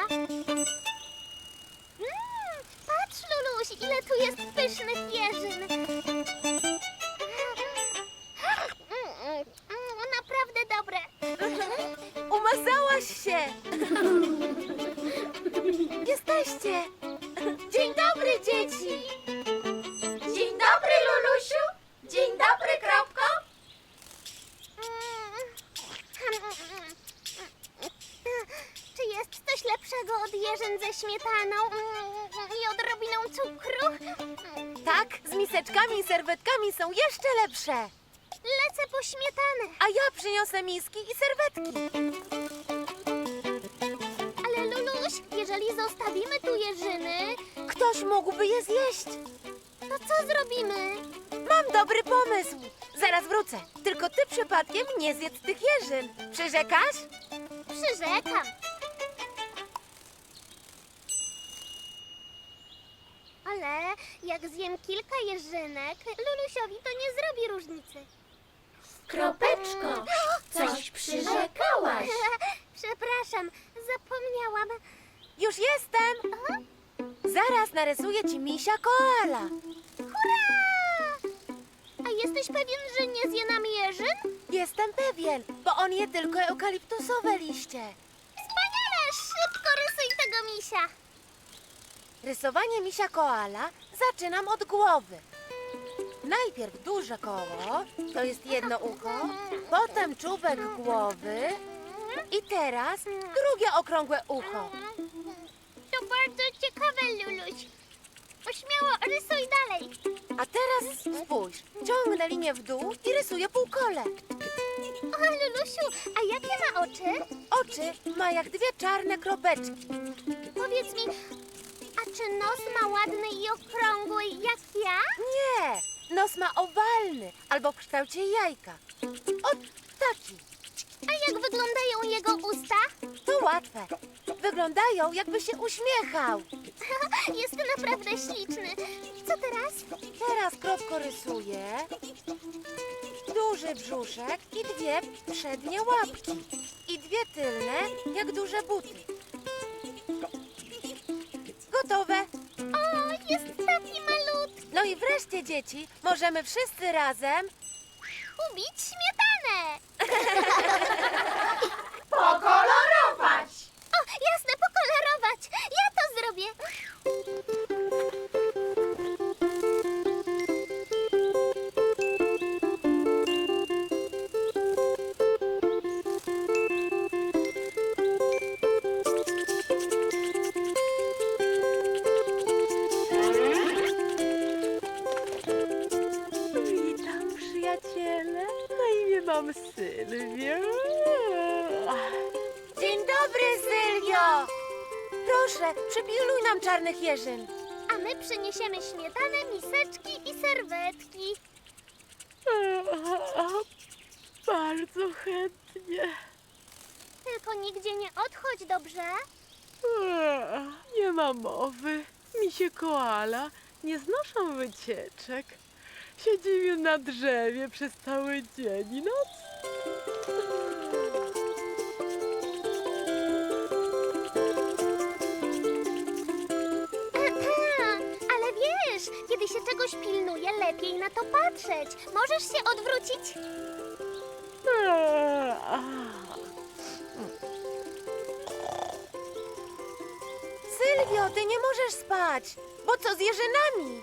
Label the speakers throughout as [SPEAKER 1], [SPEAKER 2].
[SPEAKER 1] Patrz, Luluś, ile tu jest pysznych jeżyn. Naprawdę dobre.
[SPEAKER 2] Umazałaś się! Jesteście! Dzień dobry, dzieci!
[SPEAKER 3] Dzień dobry, Lulusiu. Dzień dobry, Kropko.
[SPEAKER 1] Czy jest coś lepszego od jeżyn ze śmietaną i odrobiną cukru?
[SPEAKER 2] Tak, z miseczkami i serwetkami są jeszcze lepsze.
[SPEAKER 1] Lecę po śmietanę.
[SPEAKER 2] A ja przyniosę miski i serwetki.
[SPEAKER 1] Ale Luluś, jeżeli zostawimy tu jeżyny,
[SPEAKER 2] Ktoś mógłby je zjeść.
[SPEAKER 1] to co zrobimy?
[SPEAKER 2] Mam dobry pomysł. Zaraz wrócę. Tylko ty przypadkiem nie zjedz tych jeżyn. Przyrzekasz?
[SPEAKER 1] Przyrzekam. Ale jak zjem kilka jeżynek, Lulusiowi to nie zrobi różnicy.
[SPEAKER 3] Kropeczko, coś przyrzekałaś.
[SPEAKER 1] Przepraszam, zapomniałam.
[SPEAKER 2] Już jestem. Zaraz narysuję ci misia koala.
[SPEAKER 1] Hurra! A jesteś pewien, że nie zje nam jeżyn?
[SPEAKER 2] Jestem pewien, bo on je tylko eukaliptusowe liście.
[SPEAKER 1] Wspaniale! Szybko rysuj tego misia.
[SPEAKER 2] Rysowanie misia koala zaczynam od głowy. Najpierw duże koło, to jest jedno ucho, potem czubek głowy i teraz drugie okrągłe ucho.
[SPEAKER 1] To bardzo ciekawe, Luluś. Śmiało, rysuj dalej.
[SPEAKER 2] A teraz spójrz, ciągnę linię w dół i rysuję półkole.
[SPEAKER 1] O, Lulusiu, a jakie ma oczy?
[SPEAKER 2] Oczy ma jak dwie czarne kropeczki.
[SPEAKER 1] Powiedz mi, a czy nos ma ładny i okrągły jak ja?
[SPEAKER 2] Nie, nos ma owalny albo w kształcie jajka. O, taki.
[SPEAKER 1] A jak wyglądają jego usta?
[SPEAKER 2] To łatwe. Wyglądają, jakby się uśmiechał.
[SPEAKER 1] Jest naprawdę śliczny. Co teraz?
[SPEAKER 2] Teraz kropko rysuję. Duży brzuszek i dwie przednie łapki. I dwie tylne, jak duże buty. Gotowe.
[SPEAKER 1] O, jest taki malutki.
[SPEAKER 2] No i wreszcie, dzieci, możemy wszyscy razem...
[SPEAKER 1] Ubić śmietanę.
[SPEAKER 3] Pokolorować.
[SPEAKER 1] O, jasne, pokolorować. Ja to zrobię.
[SPEAKER 4] Witam, przyjaciele. Na imię mam Sylwię.
[SPEAKER 2] Dzień dobry, Sylwio! Proszę, przypiluj nam czarnych jeżyn.
[SPEAKER 1] A my przyniesiemy śmietanę, miseczki i serwetki.
[SPEAKER 4] Bardzo chętnie.
[SPEAKER 1] Tylko nigdzie nie odchodź, dobrze?
[SPEAKER 4] Nie ma mowy. Misie koala nie znoszą wycieczek. Siedzimy na drzewie przez cały dzień i noc.
[SPEAKER 1] Ale wiesz, kiedy się czegoś pilnuje, lepiej na to patrzeć. Możesz się odwrócić?
[SPEAKER 2] Sylwio, ty nie możesz spać, bo co z jeżynami?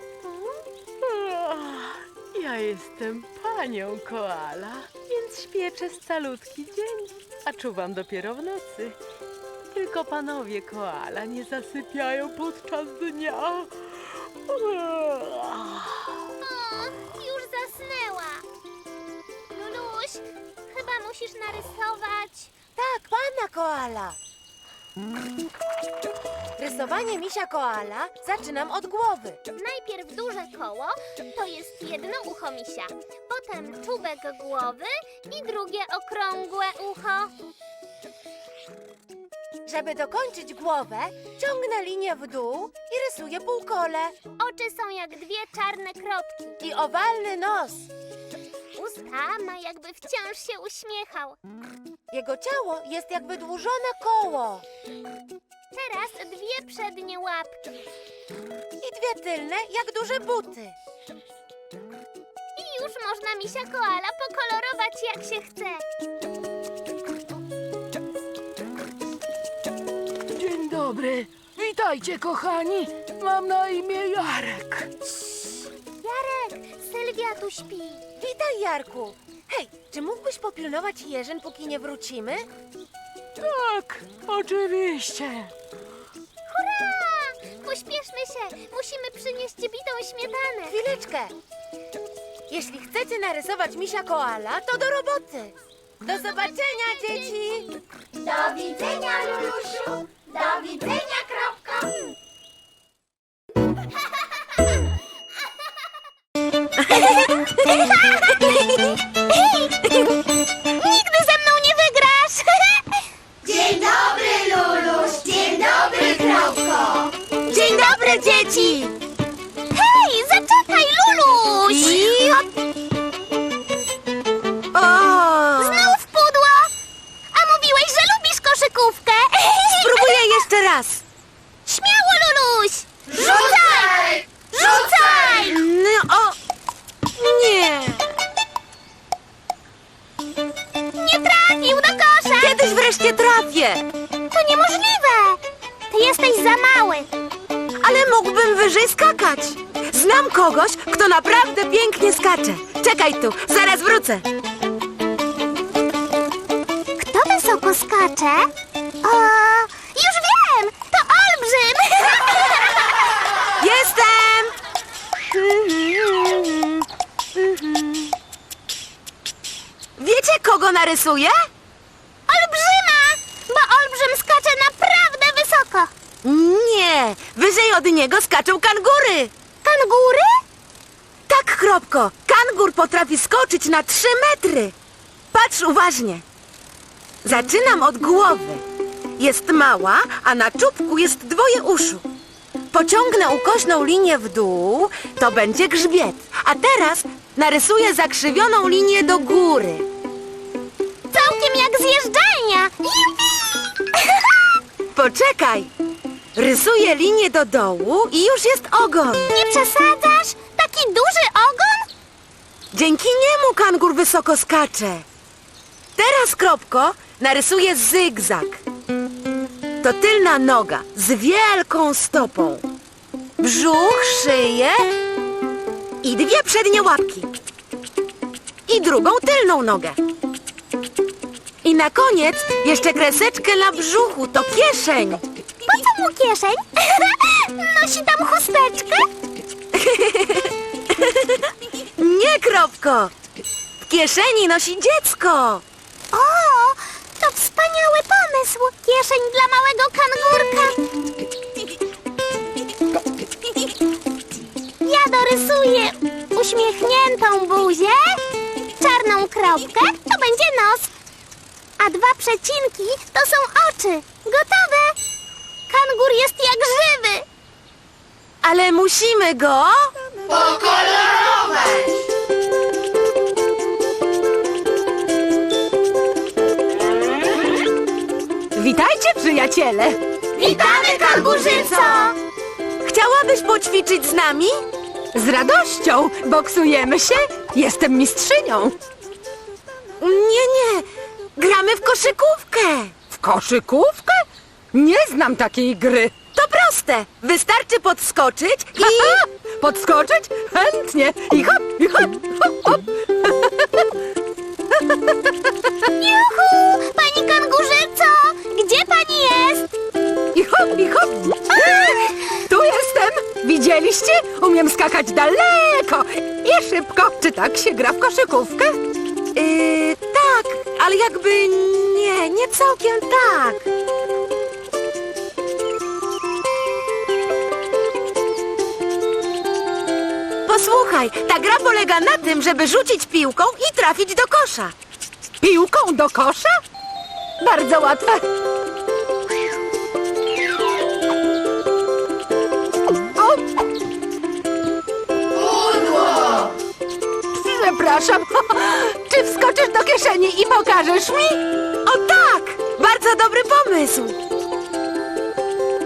[SPEAKER 4] Ja jestem panią koala, więc śpię przez calutki dzień, a czuwam dopiero w nocy. Tylko panowie koala nie zasypiają podczas dnia.
[SPEAKER 1] O, już zasnęła. Luluś, chyba musisz narysować.
[SPEAKER 2] Tak, pana koala. Rysowanie misia koala zaczynam od głowy.
[SPEAKER 1] Najpierw duże koło, to jest jedno ucho misia. Potem czubek głowy i drugie okrągłe ucho.
[SPEAKER 2] Żeby dokończyć głowę, ciągnę linię w dół i rysuję półkole.
[SPEAKER 1] Oczy są jak dwie czarne kropki.
[SPEAKER 2] I owalny nos.
[SPEAKER 1] Usta ma jakby wciąż się uśmiechał.
[SPEAKER 2] Jego ciało jest jak wydłużone koło.
[SPEAKER 1] teraz dwie przednie łapki.
[SPEAKER 2] I dwie tylne, jak duże buty.
[SPEAKER 1] I już można misia koala pokolorować jak się chce.
[SPEAKER 5] Dzień dobry. Witajcie, kochani. Mam na imię Jarek.
[SPEAKER 1] Jarek, Sylwia tu śpi.
[SPEAKER 2] Witaj, Jarku. Hej, czy mógłbyś popilnować jeżyn, póki nie wrócimy?
[SPEAKER 5] Tak, oczywiście.
[SPEAKER 1] Hurra! Pośpieszmy się, musimy przynieść bitą śmietanę.
[SPEAKER 2] Chwileczkę. Jeśli chcecie narysować misia koala, to do roboty. Do zobaczenia, dzieci.
[SPEAKER 3] Do widzenia, Lulusiu. Do widzenia, kropko.
[SPEAKER 1] Nigdy ze mną nie wygrasz!
[SPEAKER 3] Dzień dobry, Luluś. Dzień dobry, kropko.
[SPEAKER 2] Dzień dobry, dzieci.
[SPEAKER 1] Hej, zaczekaj, Luluś!
[SPEAKER 2] O!
[SPEAKER 1] Znów pudło! A mówiłeś, że lubisz koszykówkę!
[SPEAKER 2] Spróbuję jeszcze raz.
[SPEAKER 1] Śmiało, Luluś!
[SPEAKER 3] Rzucaj! Rzucaj!
[SPEAKER 2] No, o! Nie.
[SPEAKER 1] Nie trafił do kosza!
[SPEAKER 2] Kiedyś wreszcie trafię.
[SPEAKER 1] To niemożliwe! Ty jesteś za mały.
[SPEAKER 2] Ale mógłbym wyżej skakać. Znam kogoś, kto naprawdę pięknie skacze. Czekaj tu, zaraz wrócę.
[SPEAKER 1] Kto wysoko skacze? O, już wiem! To olbrzym!
[SPEAKER 2] Jestem! Wiecie, kogo narysuję?
[SPEAKER 1] Olbrzyma! Bo olbrzym skacze naprawdę wysoko.
[SPEAKER 2] Nie, wyżej od niego skaczą kangury.
[SPEAKER 1] Kangury?
[SPEAKER 2] Tak, Kropko, kangur potrafi skoczyć na 3 metry. Patrz uważnie. Zaczynam od głowy. Jest mała, a na czubku jest 2 uszu. Pociągnę ukośną linię w dół, to będzie grzbiet. A teraz narysuję zakrzywioną linię do góry.
[SPEAKER 1] Całkiem jak zjeżdżalnia. Jupi!
[SPEAKER 2] Poczekaj. Rysuję linię do dołu i już jest ogon.
[SPEAKER 1] Nie przesadzasz? Taki duży ogon?
[SPEAKER 2] Dzięki niemu kangur wysoko skacze. Teraz, Kropko, narysuję zygzak. To tylna noga z wielką stopą. Brzuch, szyję i 2 przednie łapki. I drugą tylną nogę. I na koniec jeszcze kreseczkę na brzuchu, to kieszeń.
[SPEAKER 1] Po co mu kieszeń? Nosi tam chusteczkę?
[SPEAKER 2] Nie, Kropko. W kieszeni nosi dziecko.
[SPEAKER 1] O, to wspaniały pomysł. Kieszeń dla małego kangurka. Ja dorysuję uśmiechniętą buzię, czarną kropkę, to będzie nos. A 2 przecinki to są oczy. Gotowe. Kangur jest jak żywy.
[SPEAKER 2] Ale musimy go...
[SPEAKER 3] Pokolorować.
[SPEAKER 5] Witajcie, przyjaciele.
[SPEAKER 3] Witamy, kangurzyco.
[SPEAKER 2] Chciałabyś poćwiczyć z nami?
[SPEAKER 5] Z radością. Boksujemy się. Jestem mistrzynią.
[SPEAKER 2] Nie. Gramy w koszykówkę.
[SPEAKER 5] W koszykówkę? Nie znam takiej gry.
[SPEAKER 2] To proste. Wystarczy podskoczyć i...
[SPEAKER 5] Aha, podskoczyć? Chętnie. I hop, i hop, hop, hop.
[SPEAKER 1] Juhu! Pani kangurzyco! Gdzie pani jest?
[SPEAKER 5] I hop, i hop. Tu jestem. Widzieliście? Umiem skakać daleko i szybko. Czy tak się gra w koszykówkę?
[SPEAKER 2] tak, ale jakby nie całkiem tak. Posłuchaj, ta gra polega na tym, żeby rzucić piłką i trafić do kosza.
[SPEAKER 5] Piłką do kosza? Bardzo łatwe. O,
[SPEAKER 3] Pudło.
[SPEAKER 5] przepraszam. Czy wskoczysz do kieszeni i pokażesz mi?
[SPEAKER 2] O tak! Bardzo dobry pomysł!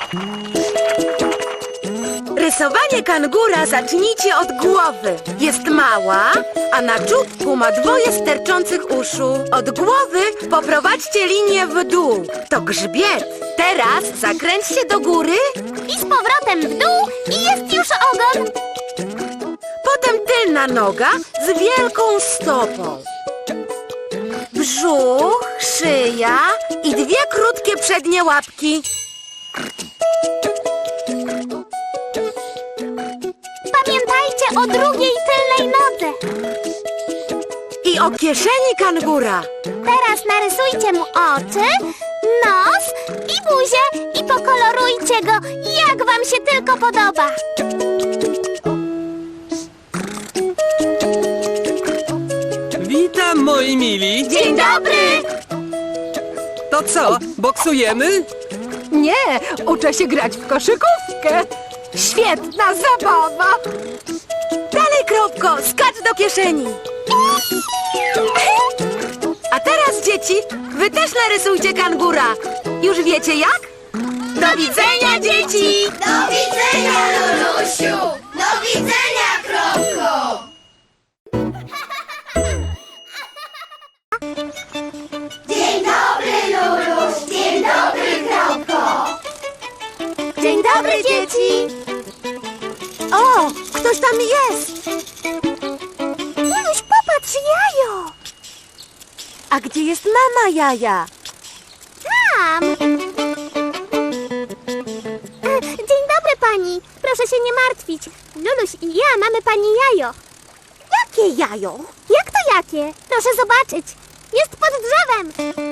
[SPEAKER 2] Rysowanie kangura zacznijcie od głowy. Jest mała, a na czubku ma dwoje sterczących uszu. Od głowy poprowadźcie linię w dół. To grzbiet. Teraz zakręćcie do góry,
[SPEAKER 1] I z powrotem w dół i jest już ogon.
[SPEAKER 2] potem tylna noga z wielką stopą. Brzuch, szyja i dwie krótkie przednie łapki.
[SPEAKER 1] Pamiętajcie o drugiej tylnej nodze.
[SPEAKER 2] I o kieszeni kangura.
[SPEAKER 1] Teraz narysujcie mu oczy, nos i buzię i pokolorujcie go, jak wam się tylko podoba.
[SPEAKER 6] Witam, moi mili.
[SPEAKER 1] Dzień dobry!
[SPEAKER 6] To co, boksujemy?
[SPEAKER 5] Nie, uczę się grać w koszykówkę. Świetna zabawa.
[SPEAKER 2] Dalej, Kropko, skacz do kieszeni. A teraz, dzieci, wy też narysujcie kangura. Już wiecie jak? Do widzenia, dzieci!
[SPEAKER 3] Do widzenia, Lulusiu! Do widzenia, Kropko! Dzień dobry, Luluś! Dzień dobry, Kropko!
[SPEAKER 2] Dzień dobry, dzieci! O, ktoś tam jest!
[SPEAKER 1] Luluś, popatrz, jajo!
[SPEAKER 2] A gdzie jest mama Jaja?
[SPEAKER 1] Tam! Dzień dobry pani. Proszę się nie martwić. Luluś i ja mamy pani jajo. Jakie jajo? Jak to jakie? Proszę zobaczyć. Jest pod drzewem.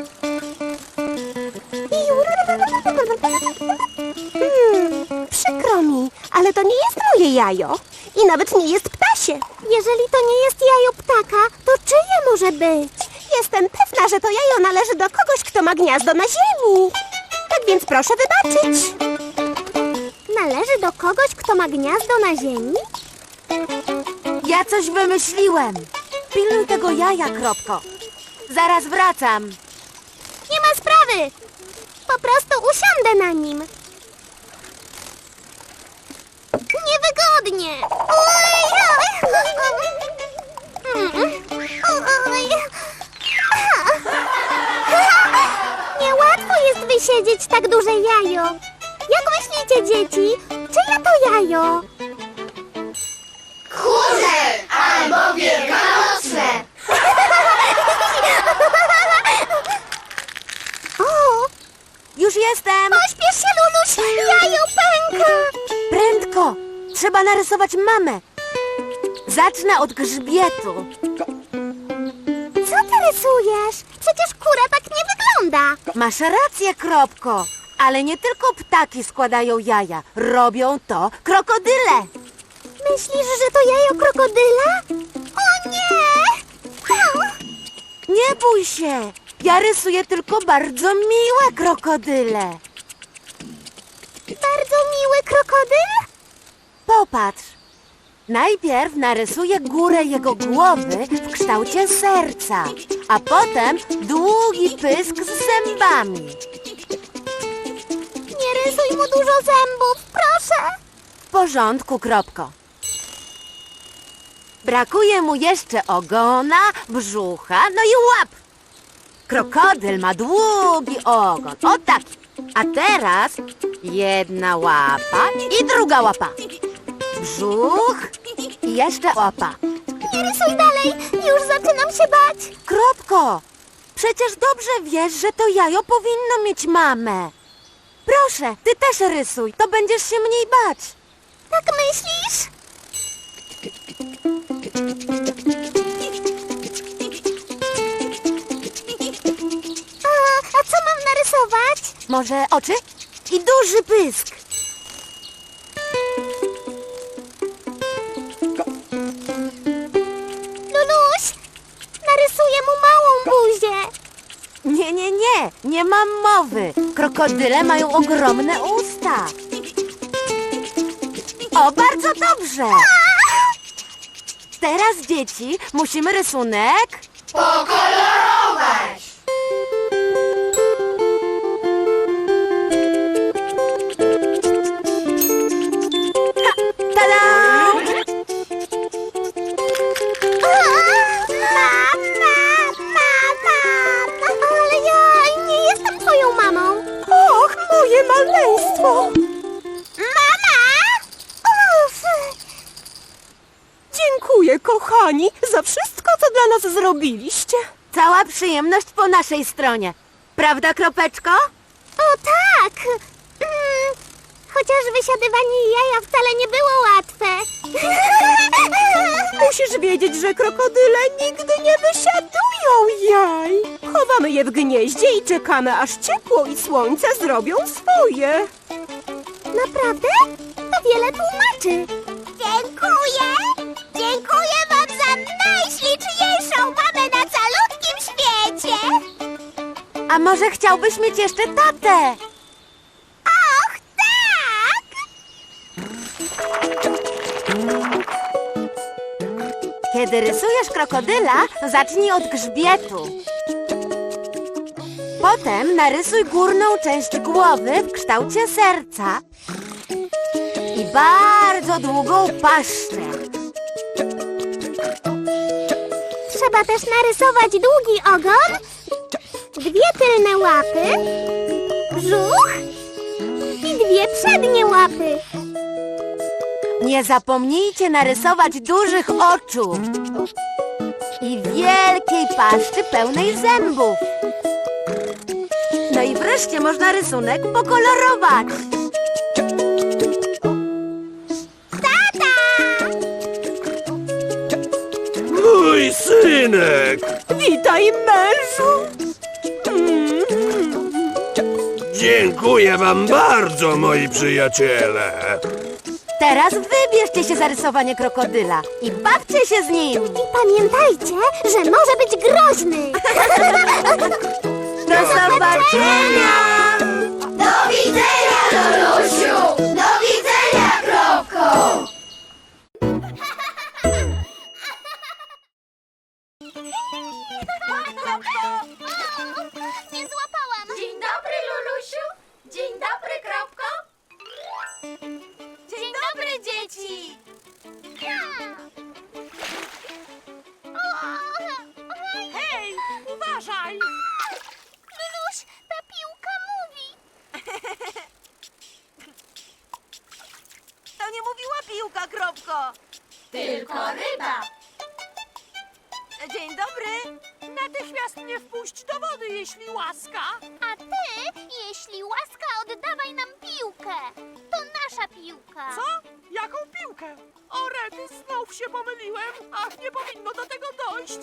[SPEAKER 1] Przykro mi, ale to nie jest moje jajo. I nawet nie jest ptasie. Jeżeli to nie jest jajo ptaka, to czyje może być? Jestem pewna, że to jajo należy do kogoś, kto ma gniazdo na ziemi. Tak więc proszę wybaczyć. Należy do kogoś, kto ma gniazdo na ziemi?
[SPEAKER 2] Ja coś wymyśliłem. Pilnuj tego jaja, Kropko. Zaraz wracam.
[SPEAKER 1] Nie ma sprawy. Po prostu usiądę na nim. Niewygodnie. Niełatwo jest wysiedzieć tak duże jajo. Jak myślicie, dzieci? Czyje to jajo?
[SPEAKER 3] Kurze albo wielkanocne!
[SPEAKER 1] O,
[SPEAKER 2] Już jestem.
[SPEAKER 1] pośpiesz się, Luluś. Jajo pęka.
[SPEAKER 2] Prędko. Trzeba narysować mamę. Zacznę od grzbietu.
[SPEAKER 1] Co ty rysujesz? Przecież kura tak nie wygląda.
[SPEAKER 2] Masz rację, Kropko. Ale nie tylko ptaki składają jaja. Robią to krokodyle.
[SPEAKER 1] Myślisz, że to jajo krokodyla? O nie!
[SPEAKER 2] Nie bój się. Ja rysuję tylko bardzo miłe krokodyle.
[SPEAKER 1] Bardzo miły krokodyl?
[SPEAKER 2] Popatrz. Najpierw narysuję górę jego głowy w kształcie serca, a potem długi pysk z zębami.
[SPEAKER 1] Nie rysuj mu dużo zębów, proszę.
[SPEAKER 2] W porządku, Kropko. Brakuje mu jeszcze ogona, brzucha, no i łap. Krokodyl ma długi ogon, o taki. A teraz jedna łapa i druga łapa. Brzuch i jeszcze łapa.
[SPEAKER 1] Nie rysuj dalej, już zaczynam się bać.
[SPEAKER 2] Kropko, przecież dobrze wiesz, że to jajo powinno mieć mamę. Proszę, ty też rysuj, to będziesz się mniej bać.
[SPEAKER 1] Tak myślisz? A co mam narysować?
[SPEAKER 2] Może oczy i duży pysk.
[SPEAKER 1] Luluś, narysuję mu małą buzię.
[SPEAKER 2] Nie mam mowy. Krokodyle mają ogromne usta. O, bardzo dobrze. Teraz, dzieci, musimy rysunek
[SPEAKER 3] Pokolorować!
[SPEAKER 7] szaleństwo!
[SPEAKER 1] Mama! Uf!
[SPEAKER 7] Dziękuję, kochani, za wszystko, co dla nas zrobiliście.
[SPEAKER 2] Cała przyjemność po naszej stronie. Prawda, Kropeczko?
[SPEAKER 1] O tak! Chociaż wysiadywanie jaja wcale nie było łatwe.
[SPEAKER 7] Musisz wiedzieć, że krokodyle nigdy nie wysiadują jaj. Chowamy je w gnieździe i czekamy, aż ciepło i słońce zrobią swoje.
[SPEAKER 1] Naprawdę? To wiele tłumaczy. Dziękuję! Dziękuję wam za najśliczniejszą mamę na calutkim świecie!
[SPEAKER 2] A może chciałbyś mieć jeszcze tatę?
[SPEAKER 1] Och, tak!
[SPEAKER 2] Kiedy rysujesz krokodyla, zacznij od grzbietu. Potem narysuj górną część głowy w kształcie serca i bardzo długą paszczę.
[SPEAKER 1] Trzeba też narysować długi ogon, dwie tylne łapy, brzuch i dwie przednie łapy.
[SPEAKER 2] Nie zapomnijcie narysować dużych oczu i wielkiej paszczy pełnej zębów. No i wreszcie można rysunek pokolorować.
[SPEAKER 8] Mój synek!
[SPEAKER 7] Witaj, mężu!
[SPEAKER 8] Dziękuję wam bardzo, moi przyjaciele!
[SPEAKER 2] Teraz wybierzcie się za rysowanie krokodyla i bawcie się z nim.
[SPEAKER 1] I pamiętajcie, że może być groźny.
[SPEAKER 2] Do zobaczenia!
[SPEAKER 3] Do widzenia, Lulusiu! Do widzenia, Kropko!
[SPEAKER 1] Nie złapałam.
[SPEAKER 3] Dzień dobry, Lulusiu! Dzień dobry, Kropko!
[SPEAKER 1] Dzień dobry, dzieci.
[SPEAKER 7] Hej, uważaj!
[SPEAKER 1] Luluś, ta piłka mówi.
[SPEAKER 2] To nie mówiła piłka, Kropko.
[SPEAKER 3] Tylko ryba!
[SPEAKER 2] Dzień dobry.
[SPEAKER 7] Natychmiast mnie wpuść do wody, jeśli łaska.
[SPEAKER 1] A ty, jeśli łaska, oddawaj nam piłkę. To nasza piłka.
[SPEAKER 7] Co? Jaką piłkę? O, rety, znów się pomyliłem. Ach, nie powinno do tego dojść.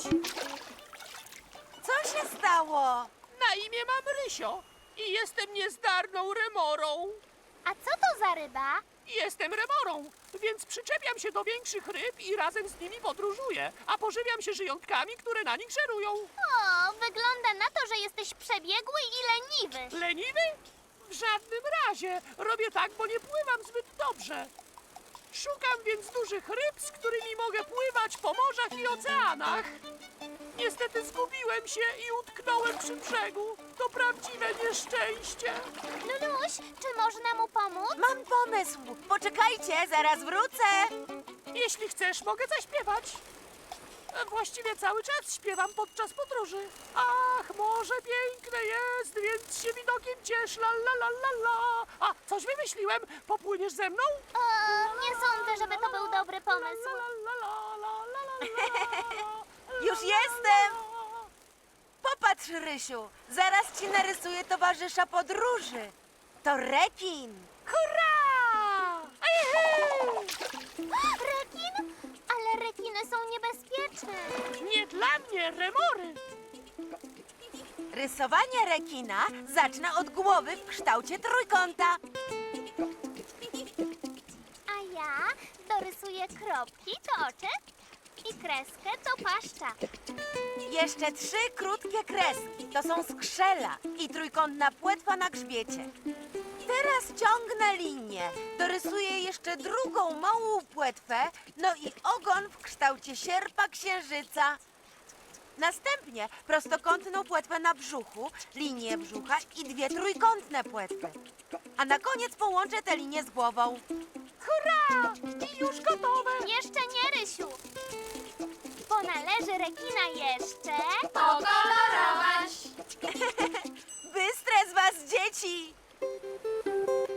[SPEAKER 2] Co się stało?
[SPEAKER 7] Na imię mam Rysio i jestem niezdarną remorą.
[SPEAKER 1] A co to za ryba?
[SPEAKER 7] Jestem remorą, więc przyczepiam się do większych ryb i razem z nimi podróżuję, a pożywiam się żyjątkami, które na nich żerują.
[SPEAKER 1] O, wygląda na to, że jesteś przebiegły i leniwy.
[SPEAKER 7] Leniwy? W żadnym razie. Robię tak, bo nie pływam zbyt dobrze. Szukam więc dużych ryb, z którymi mogę pływać po morzach i oceanach. Niestety zgubiłem się i utknąłem przy brzegu. To prawdziwe nieszczęście.
[SPEAKER 1] Luluś, czy można mu pomóc?
[SPEAKER 2] Mam pomysł. Poczekajcie, zaraz wrócę.
[SPEAKER 7] Jeśli chcesz, mogę zaśpiewać. Właściwie cały czas śpiewam podczas podróży. Ach, morze piękne jest, więc się widokiem ciesz, la la la la la. A, coś wymyśliłem. Popłyniesz ze mną?
[SPEAKER 1] Nie sądzę, żeby to był dobry pomysł.
[SPEAKER 7] La, la, la, la, la, la, la.
[SPEAKER 2] Już jestem. Popatrz, Rysiu. Zaraz ci narysuję towarzysza podróży. To rekin.
[SPEAKER 7] Hurra! Ejhej!
[SPEAKER 1] Rekin? Ale rekiny są niebezpieczne.
[SPEAKER 7] Nie dla mnie, remory.
[SPEAKER 2] Rysowanie rekina zacznę od głowy w kształcie trójkąta.
[SPEAKER 1] A ja dorysuję kropki, to oczy, i kreskę, to paszcza.
[SPEAKER 2] Jeszcze 3 krótkie kreski. To są skrzela i trójkątna płetwa na grzbiecie. Teraz ciągnę linię. Dorysuję jeszcze drugą małą płetwę, no i ogon w kształcie sierpa księżyca. Następnie prostokątną płetwę na brzuchu, linię brzucha i 2 trójkątne płetwy. A na koniec połączę te linie z głową.
[SPEAKER 7] Hurra! I już gotowe.
[SPEAKER 1] Jeszcze nie, Rysiu. Bo należy rekina jeszcze...
[SPEAKER 3] Pokolorować!
[SPEAKER 2] Bystre z was dzieci!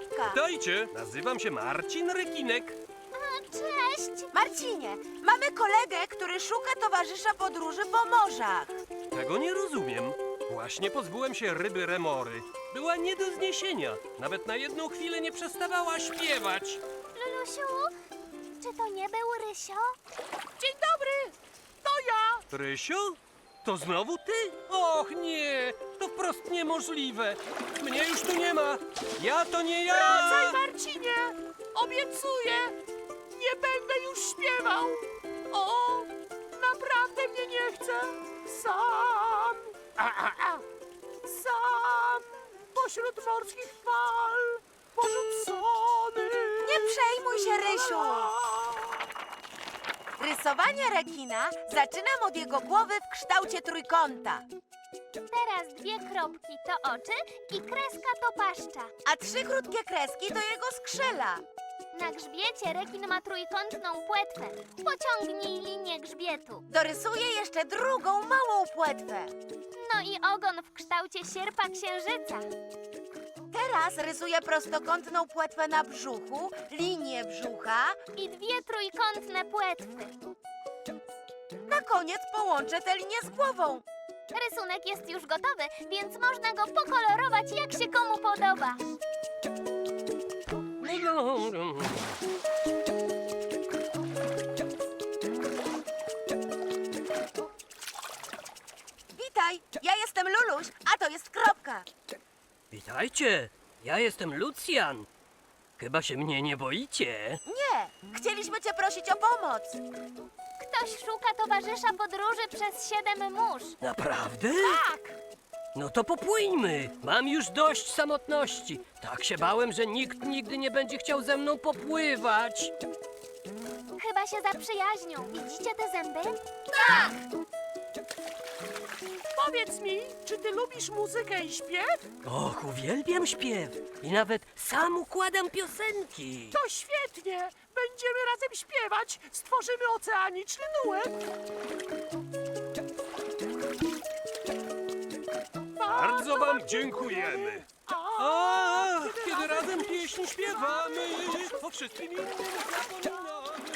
[SPEAKER 2] Kropka.
[SPEAKER 6] Witajcie, nazywam się Marcin Rekinek.
[SPEAKER 1] Cześć!
[SPEAKER 2] Marcinie, mamy kolegę, który szuka towarzysza podróży po morzach.
[SPEAKER 6] Tego nie rozumiem. Właśnie pozbyłem się ryby Remory. Była nie do zniesienia. Nawet na jedną chwilę nie przestawała śpiewać.
[SPEAKER 1] Lulusiu, czy to nie był Rysio?
[SPEAKER 7] Dzień dobry! To ja!
[SPEAKER 6] Rysio? To znowu ty? Och nie, to wprost niemożliwe. Mnie już tu nie ma. Ja to nie ja.
[SPEAKER 7] Wracaj, Marcinie! Obiecuję! Nie będę już śpiewał! O, naprawdę mnie nie chce! Sam! Sam! Pośród morskich fal! Porzucony!
[SPEAKER 2] Nie przejmuj się, Rysiu. Rysowanie rekina zaczynam od jego głowy w kształcie trójkąta,
[SPEAKER 1] Teraz 2 kropki to oczy i kreska to paszcza.
[SPEAKER 2] a 3 krótkie kreski to jego skrzela.
[SPEAKER 1] Na grzbiecie rekin ma trójkątną płetwę. Pociągnij linię grzbietu.
[SPEAKER 2] Dorysuję jeszcze drugą małą płetwę.
[SPEAKER 1] No i ogon w kształcie sierpa księżyca.
[SPEAKER 2] Teraz rysuję prostokątną płetwę na brzuchu, linię brzucha.
[SPEAKER 1] I 2 trójkątne płetwy.
[SPEAKER 2] Na koniec połączę tę linię z głową.
[SPEAKER 1] Rysunek jest już gotowy, więc można go pokolorować jak się komu podoba.
[SPEAKER 2] Witaj, ja jestem Luluś, a to jest Kropka.
[SPEAKER 6] Witajcie, ja jestem Lucjan. Chyba się mnie nie boicie.
[SPEAKER 2] Nie, chcieliśmy cię prosić o pomoc.
[SPEAKER 1] Ktoś szuka towarzysza podróży przez 7 mórz.
[SPEAKER 6] Naprawdę? Tak! No to popłyńmy. Mam już dość samotności. Tak się bałem, że nikt nigdy nie będzie chciał ze mną popływać.
[SPEAKER 1] Chyba się zaprzyjaźnią. Widzicie te zęby?
[SPEAKER 7] Powiedz mi, czy ty lubisz muzykę i śpiew?
[SPEAKER 6] Och, uwielbiam śpiew. I nawet sam układam piosenki.
[SPEAKER 7] To świetnie! Będziemy razem śpiewać! Stworzymy oceaniczny duet!
[SPEAKER 8] Bardzo wam dziękujemy.
[SPEAKER 6] Ach, kiedy razem pieśń śpiewamy, o wszystkim innym zapominamy.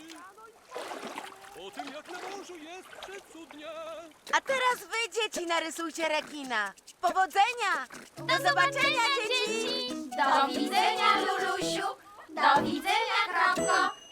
[SPEAKER 6] O tym, jak na morzu jest przecudnie.
[SPEAKER 2] A teraz wy, dzieci, narysujcie rekina. Powodzenia! Do zobaczenia, dzieci!
[SPEAKER 3] Do widzenia, Lulusiu! Do widzenia, Kropko!